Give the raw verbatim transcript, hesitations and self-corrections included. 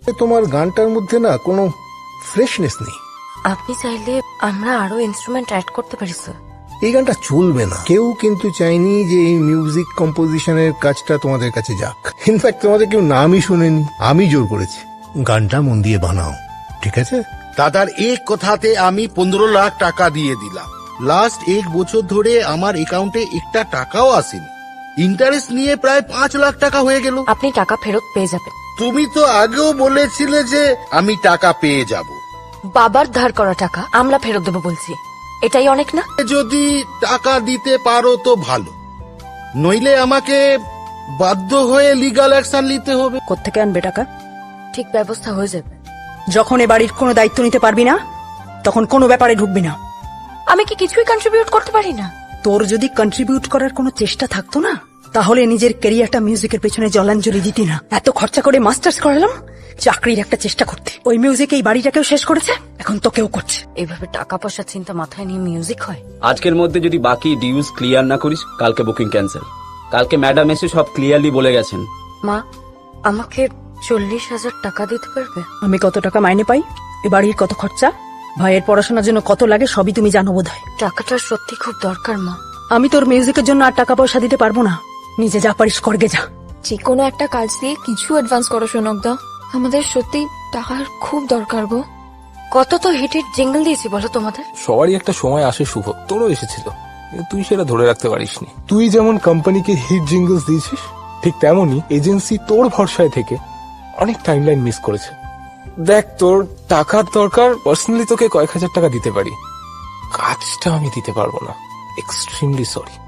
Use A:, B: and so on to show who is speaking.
A: তোমার গানটার মধ্যে না কোনো ফ্রেশনেস নেই।
B: আপনি চাইলে আমরা আরো ইনস্ট্রুমেন্ট অ্যাড করতে পারি স্যার।
A: এই গানটা চলবে না। কেউ কিন্তু চাইনি যে এই মিউজিক কম্পোজিশনের কাজটা তোমাদের কাছে যাক। ইনফ্যাক্ট তোমাদের কেউ নামই শুনেনি, আমি জোর করেছি। গানটা মন দিয়ে বানাও, ঠিক আছে?
C: দাদার এক কথাতে আমি পনেরো লাখ টাকা দিয়ে দিলাম। লাস্ট এক বছর ধরে আমার অ্যাকাউন্টে একটা টাকাও আসেনি। ইন্টারেস্ট নিয়ে প্রায় পাঁচ লাখ টাকা হয়ে গেল।
B: আপনি টাকা ফেরত পেয়ে যাবেন।
C: তুমি তো আগেও বলেছিলে যে আমি টাকা পেয়ে যাব।
B: বাবার ধার করা টাকা আমরা ফেরত দেবো বলছি, এটাই অনেক না?
C: যদি টাকা দিতে পারো তো ভালো, নইলে আমাকে বাধ্য হয়ে লিগ্যাল অ্যাকশন নিতে হবে।
D: কোত্থেকে আনবে টাকা?
B: ঠিক ব্যবস্থা হয়ে যাবে।
D: যখন এ বাড়ির কোনো দায়িত্ব নিতে পারবি না তখন কোনো ব্যাপারে ঢুকবি না।
B: আমি কি কিছুই কন্ট্রিবিউট করতে পারি না?
D: তোর যদি কন্ট্রিবিউট করার কোনো চেষ্টা থাকতো না তাহলে নিজের ক্যারিয়ারটা মিউজিকের পেছনে জলাঞ্জলি দিতি না। এত খরচা করে মাস্টার্স করালাম চাকরির একটা চেষ্টা করতে, ওই মিউজিক এই বাড়িটাকেও শেষ করেছে, এখন তোকেও করছে।
B: এইভাবে টাকা পয়সার চিন্তা মাথায় নিয়ে মিউজিক হয়?
E: আজকের মধ্যে যদি বাকি ডিউজ ক্লিয়ার না করিস কালকে বুকিং ক্যান্সেল। কালকে ম্যাডাম এসে সব ক্লিয়ারলি বলে গেছেন।
B: মা, আমাকে চল্লিশ হাজার টাকা দিতে পারবে?
D: আমি কত টাকা মাইনে পাই, এ বাড়ির কত খরচা, ভাইয়ের পড়াশোনার জন্য কত লাগে সবই তুমি জানো বোধ হয়।
B: টাকাটা সত্যি খুব দরকার মা।
D: আমি তোর মিউজিকের জন্য আর টাকা পয়সা দিতে পারবো না, নিজে যা পারিস করগে যা।
F: যে কোনো একটা কাজ দিয়ে কিছু অ্যাডভান্স করো সোনকদা, আমাদের সত্যি টাকার খুব দরকার গো।
B: কত তো হিটের জিঙ্গল দিয়েছি বলো তোমাদের।
G: সবারই একটা সময় আসে শুভ, তোরও এসেছিল, কিন্তু তুই সেটা ধরে রাখতে পারিসনি। তুই যেমন কোম্পানিকে হিট জিঙ্গলস দিয়েছিস, ঠিক তেমনই এজেন্সি তোর ভরসায় থেকে অনেক টাইমলাইন মিস করেছে। দেখ, তোর টাকার দরকার, পার্সোনালি তোকে কয়েক হাজার টাকা দিতে পারি, কাজটা আমি দিতে পারবো না, এক্সট্রিমলি সরি।